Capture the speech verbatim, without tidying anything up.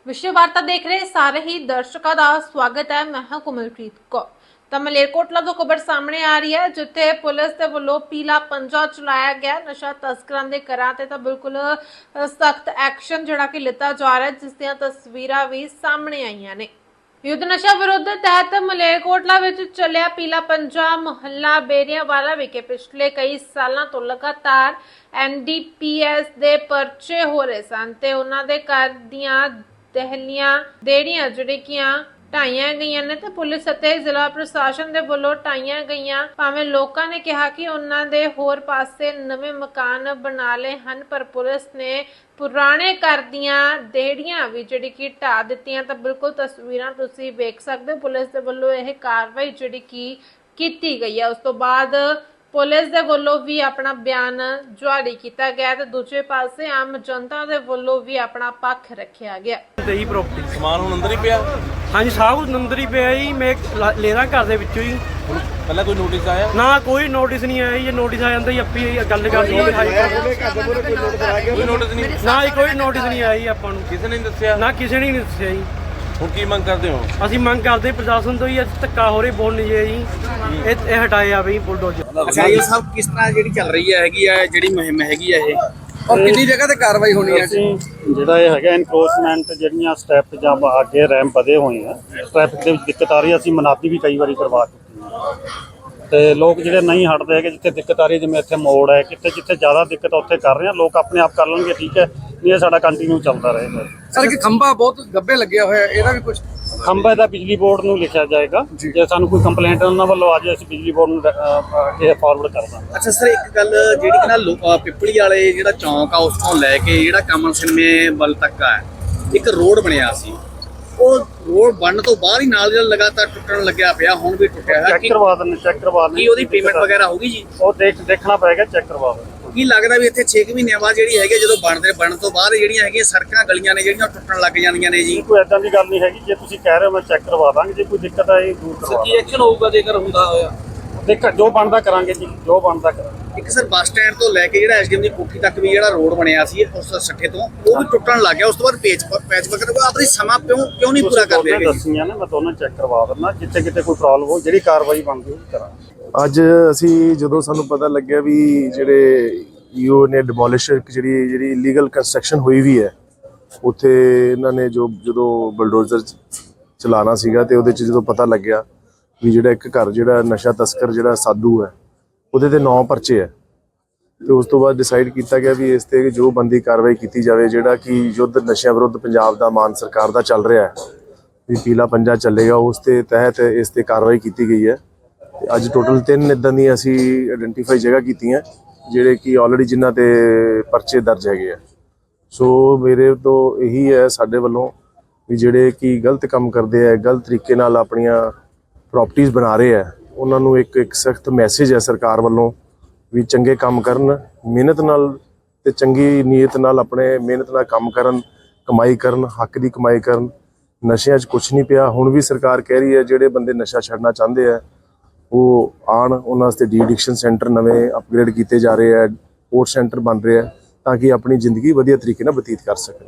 विश्व वार्ता देख रहे सारे ही दर्शकों का स्वागत है। मैं हां कोमलप्रीत कौर। ਤਾਂ ਮਲੇਰਕੋਟਲਾ ਤੋਂ ਖਬਰ ਸਾਹਮਣੇ ਆ ਰਹੀ ਹੈ, ਜਿੱਥੇ ਪੁਲਿਸ ਦੇ ਵੱਲੋਂ ਪੀਲਾ ਪੰਜਾ ਚਲਾਇਆ ਗਿਆ। ਨਸ਼ਾ ਤਸਕਰਾਂ ਦੇ ਘਰਾਂ ਤੇ ਤਾਂ ਬਿਲਕੁਲ ਸਖਤ ਐਕਸ਼ਨ ਜਿਹੜਾ ਕਿ ਲਿੱਤਾ ਜਾ ਰਿਹਾ, ਜਿਸ ਦੀਆਂ ਤਸਵੀਰਾਂ ਵੀ ਸਾਹਮਣੇ ਆਈਆਂ ਨੇ। युद्ध नशा विरोध तहत मलेरकोटला विच चलिया पीला पंजा मुहल्ला बेरियावाला विखे पिछले कई सालों तो लगातार एन डी पी एस दे परचे हो रहे सन ते उन्हां दे घर दीआं दहलियां देड़ियां जिहड़ियां ਢਾਈਆਂ ਗਈਆਂ ਨੇ ਤੇ ਪੁਲਿਸ ਅਤੇ ਜ਼ਿਲ੍ਹਾ ਪ੍ਰਸ਼ਾਸਨ ਦੇ ਵੱਲੋਂ ਢਾਈਆਂ ਗਈਆਂ। ਭਾਵੇਂ ਲੋਕਾਂ ਨੇ ਕਿਹਾ ਕਿ ਉਹਨਾਂ ਦੇ ਹੋਰ ਪਾਸੇ ਨਵੇਂ ਮਕਾਨ ਬਣਾ ਲਏ ਹਨ, ਪਰ ਪੁਲਿਸ ਨੇ ਪੁਰਾਣੇ ਘਰ ਦੀਆਂ ਦੇੜੀਆਂ ਵੀ ਜਿਹੜੀ ਕਿ ਢਾ ਦਿੱਤੀਆਂ। ਤਾਂ ਬਿਲਕੁਲ ਤਸਵੀਰਾਂ ਤੁਸੀਂ ਵੇਖ ਸਕਦੇ ਹੋ। ਪੁਲਿਸ ਦੇ ਵੱਲੋਂ ਇਹ ਕਾਰਵਾਈ ਜਿਹੜੀ ਕਿ ਕੀਤੀ ਗਈ ਹੈ। ਉਸ ਤੋਂ ਬਾਅਦ ਪੁਲਿਸ ਦੇ ਵੱਲੋਂ ਵੀ ਆਪਣਾ ਬਿਆਨ ਜਾਰੀ ਕੀਤਾ ਗਿਆ ਤੇ ਦੂਜੇ ਪਾਸੇ ਆਮ ਜਨਤਾ ਦੇ ਵੱਲੋਂ ਵੀ ਆਪਣਾ ਪੱਖ ਰੱਖਿਆ ਗਿਆ। तेई प्रॉपर्टी ਸਮਾਨ ਹੁਣ ਅੰਦਰ ਹੀ ਪਿਆ। हाँ जी, सब कुछ अंदर ही पिया जी। मैं ले रहा घर दे विचों ही। ਪਹਿਲਾਂ ਕੋਈ ਨੋਟਿਸ ਆਇਆ? ना कोई नोटिस नहीं आया। ये नोटिस आ जाता ही अपी गल कर दी। ਕੋਈ ਨੋਟਿਸ ਨਹੀਂ? ना जी कोई नोटिस नहीं आया जी आपां नूं। ਕਿਸੇ ਨੇ ਨਹੀਂ ਦੱਸਿਆ? ना किसी ने नहीं दस्सिया जी। ਹੁਣ ਕੀ ਮੰਗ ਕਰਦੇ ਹੋ? ਅਸੀਂ ਮੰਗ ਕਰਦੇ ਪ੍ਰਸ਼ਾਸਨ ਤੋਂ ਹੀ, ਧੱਕਾ ਹੋ ਰਹੀ ਬੋਲ ਨਹੀਂ ਜੀ ਇਹ ਇਹ ਹਟਾਏ ਆ ਬਈ ਬੁਲਡੋਜ਼ਰ। ਅੱਛਾ, ਇਹ ਸਭ ਕਿਸ ਤਰ੍ਹਾਂ ਜਿਹੜੀ ਚੱਲ ਰਹੀ ਹੈ ਹੈਗੀ ਹੈ ਜਿਹੜੀ ਮੁਹਿੰਮ ਹੈਗੀ ਹੈ ਇਹ, ਔਰ ਕਿੰਨੀ ਜਗ੍ਹਾ ਤੇ ਕਾਰਵਾਈ ਹੋਣੀ ਹੈ? ਅਸੀਂ ਜਿਹੜਾ ਇਹ ਹੈਗਾ ਇਨਕਰੋਚਮੈਂਟ ਜਿਹੜੀਆਂ ਸਟੈਪ ਜਾਂ ਅੱਗੇ ਰੈਂਪ ਵਧੇ ਹੋਏ ਆ, ਟ੍ਰੈਫਿਕ ਦੇ ਵਿੱਚ ਦਿੱਕਤ ਆ ਰਹੀ ਹੈ। ਅਸੀਂ ਮਨਾਤੀ ਵੀ ਕਈ ਵਾਰੀ ਕਰਵਾ ਚੁੱਕੇ ਹਾਂ ਤੇ ਲੋਕ ਜਿਹੜੇ ਨਹੀਂ ਹਟਦੇ ਹੈਗੇ, ਜਿੱਥੇ ਦਿੱਕਤ ਆ ਰਹੀ ਜਿਵੇਂ ਇੱਥੇ ਮੋੜ ਹੈ, ਕਿਤੇ ਜਿੱਥੇ ਜ਼ਿਆਦਾ ਦਿੱਕਤ ਉੱਥੇ ਕਰ ਰਹੇ ਆ ਲੋਕ, ਆਪਣੇ ਆਪ ਕਰ ਲੈਣਗੇ, ਠੀਕ ਹੈ। ਨਹੀਂ ਇਹ ਸਾਡਾ ਕੰਟੀਨਿਊ ਚੱਲਦਾ ਰਹੇਗਾ। ਸਰ ਇੱਕ ਖੰਭਾ ਬਹੁਤ ਗੱਬੇ ਲੱਗਿਆ ਹੋਇਆ, ਇਹਦਾ ਵੀ ਕੁਝ ਖੰਭਾ ਦਾ ਬਿਜਲੀ ਬੋਰਡ ਨੂੰ ਲਿਖਿਆ ਜਾਏਗਾ। ਜੇ ਸਾਨੂੰ ਕੋਈ ਕੰਪਲੇਂਟ ਉਹਨਾਂ ਵੱਲੋਂ ਆ ਜਾਏ ਅਸੀਂ ਬਿਜਲੀ ਬੋਰਡ ਨੂੰ ਇਹ ਫਾਰਵਰਡ ਕਰ ਦਾਂਗੇ। ਅੱਛਾ ਸਰ, ਇੱਕ ਗੱਲ ਜਿਹੜੀ ਕਿ ਨਾ ਲੋ- ਪਿੱਪਲੀ ਵਾਲੇ ਜਿਹੜਾ ਚੌਂਕ ਆ ਉਸ ਤੋਂ ਲੈ ਕੇ ਜਿਹੜਾ ਕਮਲ ਸਿਨਮੇ ਵੱਲ ਤੱਕ ਆ ਇੱਕ ਰੋਡ ਬਣਿਆ ਸੀ, ਉਹ ਰੋਡ ਬਣਨ ਤੋਂ ਬਾਅਦ ਹੀ ਨਾਲ ਜਿਹੜਾ ਲਗਾਤਾਰ ਟੁੱਟਣ ਲੱਗਿਆ ਪਿਆ, ਹੁਣ ਵੀ ਟੁੱਟਿਆ ਹੋਇਆ। ਚੈੱਕ ਕਰਵਾ ਦਿੰਦੇ ਚੈੱਕ ਕਰਵਾ ਦਿੰਦੇ ਕੀ ਉਹਦੀ ਪੇਮੈਂਟ ਵਗੈਰਾ ਹੋਗੀ ਜੀ? ਉਹ ਦੇਖ ਦੇਖਣਾ ਪਏਗਾ, ਚੈੱਕ ਕਰਵਾ ਦਿੰਦੇ। ਕੀ ਲੱਗਦਾ ਵੀ ਇੱਥੇ ਛੇ ਮਹੀਨਿਆਂ ਬਾਅਦ ਜਿਹੜੀ ਹੈਗੀ ਜਦੋਂ ਬਣਦੇ ਬਣਨ ਤੋਂ ਬਾਅਦ ਜਿਹੜੀਆਂ ਹੈਗੀਆਂ ਸੜਕਾਂ ਗਲੀਆਂ ਨੇ ਜਿਹੜੀਆਂ ਟੁੱਟਣ ਲੱਗ ਜਾਂਦੀਆਂ ਨੇ ਜੀ? ਕੋਈ ਐਦਾਂ ਦੀ ਗੱਲ ਨਹੀਂ ਹੈਗੀ। ਜੇ ਤੁਸੀਂ ਕਹਿ ਰਹੇ ਹੋ ਮੈਂ ਚੈੱਕ ਕਰਵਾ ਦਾਂਗੇ। ਜੇ ਕੋਈ ਦਿੱਕਤ ਆਏ ਦੂਰ ਕਰਵਾ ਕੀ ਐਕਸ਼ਨ ਹੋਊਗਾ ਜੇਕਰ ਹੁੰਦਾ ਹੋਇਆ? ਦੇਖ ਜੋ ਬਣਦਾ ਕਰਾਂਗੇ ਜੀ, ਜੋ ਬਣਦਾ ਕਰਾਂਗੇ। ਇੱਕ ਸਰ ਬੱਸ ਸਟੈਂਡ ਤੋਂ ਲੈ ਕੇ ਜਿਹੜਾ ਐਸ ਡੀ ਐਮ ਦੀ ਕੋਠੀ ਤੱਕ ਵੀ ਜਿਹੜਾ ਰੋਡ ਬਣਿਆ ਸੀ ਉਸ ਸੱਠੇ ਤੋਂ, ਉਹ ਵੀ ਟੁੱਟਣ ਲੱਗ ਗਿਆ। ਉਸ ਤੋਂ ਬਾਅਦ ਪੇਚ ਪੈਚ ਵਗੈਰਾ ਆਪਣੀ ਸਮਾਂ ਕਿਉਂ ਕਿਉਂ ਨਹੀਂ ਪੂਰਾ ਕਰਦੇ ਹੈਗੇ? ਦੱਸੀਆਂ ਨੇ ਮੈਂ ਦੋਨੋਂ ਚੈੱਕ ਕਰਵਾ ਦਿੰਦਾ। ਜਿੱਥੇ ਕਿਤੇ ਕੋਈ ਪ੍ਰੋਬਲਮ ਹੋ ਜਿਹੜੀ ਕਾਰਵਾਈ ਬਣਦੀ ਉਹ ਕਰਾਂਗੇ। ਅੱਜ ਅਸੀਂ ਜਦੋਂ ਸਾਨੂੰ ਪਤਾ ਲੱਗਿਆ ਵੀ ਜਿਹੜੇ ਈਓ ਨੇ ਡਿਮੋਲਿਸ਼ਰ ਜਿਹੜੀ ਜਿਹੜੀ ਇਲੀਗਲ ਕੰਸਟਰਕਸ਼ਨ ਹੋਈ ਵੀ ਹੈ ਉੱਥੇ, ਇਹਨਾਂ ਨੇ ਜੋ ਜਦੋਂ ਬਲਡੋਜ਼ਰ ਚਲਾਉਣਾ ਸੀਗਾ ਤੇ ਉਹਦੇ 'ਚ ਜਦੋਂ ਪਤਾ ਲੱਗਿਆ ਵੀ ਜਿਹੜਾ ਇੱਕ ਘਰ ਜਿਹੜਾ ਨਸ਼ਾ ਤਸਕਰ ਜਿਹੜਾ ਸਾਧੂ ਹੈ ਉਹਦੇ ਤੇ ਨੌ ਪਰਚੇ ਹੈ, ਤੇ ਉਸ ਤੋਂ ਬਾਅਦ ਡਿਸਾਈਡ ਕੀਤਾ ਗਿਆ ਵੀ ਇਸ ਤੇ ਜੋ ਬੰਦੀ ਕਾਰਵਾਈ ਕੀਤੀ ਜਾਵੇ। ਜਿਹੜਾ ਕਿ ਯੁੱਧ ਨਸ਼ਿਆਂ ਵਿਰੁੱਧ ਪੰਜਾਬ ਦਾ ਮਾਨ ਸਰਕਾਰ ਦਾ ਚੱਲ ਰਿਹਾ ਹੈ ਵੀ ਪੀਲਾ ਪੰਜਾ ਚੱਲੇਗਾ, ਉਸ ਦੇ ਤਹਿਤ ਇਸ ਤੇ ਕਾਰਵਾਈ ਕੀਤੀ ਗਈ ਹੈ। ਤੇ ਅੱਜ ਟੋਟਲ ਤਿੰਨ ਇੱਦਾਂ ਦੀਆਂ ਅਸੀਂ ਆਇਡੈਂਟੀਫਾਈ ਜਗ੍ਹਾ ਕੀਤੀਆਂ ਜਿਹੜੇ ਕਿ ਆਲਰੇਡੀ ਜਿਨ੍ਹਾਂ ਤੇ ਪਰਚੇ ਦਰਜ ਹੈਗੇ ਆ। ਸੋ ਮੇਰੇ ਤੋਂ ਇਹੀ ਹੈ ਸਾਡੇ ਵੱਲੋਂ ਵੀ ਜਿਹੜੇ ਕਿ ਗਲਤ ਕੰਮ ਕਰਦੇ ਆ, ਗਲਤ ਤਰੀਕੇ ਨਾਲ ਆਪਣੀਆਂ ਪ੍ਰੋਪਰਟੀਆਂ ਬਣਾ ਰਹੇ ਆ, ਉਹਨਾਂ ਨੂੰ ਇੱਕ ਇੱਕ ਸਖਤ ਮੈਸੇਜ ਹੈ ਸਰਕਾਰ ਵੱਲੋਂ ਵੀ ਚੰਗੇ ਕੰਮ ਕਰਨ, ਮਿਹਨਤ ਨਾਲ ਤੇ ਚੰਗੀ ਨੀਅਤ ਨਾਲ ਆਪਣੇ ਮਿਹਨਤ ਨਾਲ ਕੰਮ ਕਰਨ, ਕਮਾਈ ਕਰਨ, ਹੱਕ ਦੀ ਕਮਾਈ ਕਰਨ। ਨਸ਼ਿਆਂ 'ਚ ਕੁਛ ਨਹੀਂ ਪਿਆ। ਹੁਣ ਵੀ ਸਰਕਾਰ ਕਹਿ ਰਹੀ ਹੈ ਜਿਹੜੇ ਬੰਦੇ ਨਸ਼ਾ ਛੱਡਣਾ ਚਾਹੁੰਦੇ ਆ ਉਹ ਆਉਣ, ਉਹਨਾਂ ਵਾਸਤੇ ਡੀ ਐਡਿਕਸ਼ਨ ਸੈਂਟਰ ਨਵੇਂ ਅਪਗ੍ਰੇਡ ਕੀਤੇ ਜਾ ਰਹੇ ਆ, ਸਪੋਰਟ ਸੈਂਟਰ ਬਣ ਰਹੇ ਆ ਤਾਂ ਕਿ ਆਪਣੀ ਜ਼ਿੰਦਗੀ ਵਧੀਆ ਤਰੀਕੇ ਨਾਲ ਬਤੀਤ ਕਰ ਸਕਣ।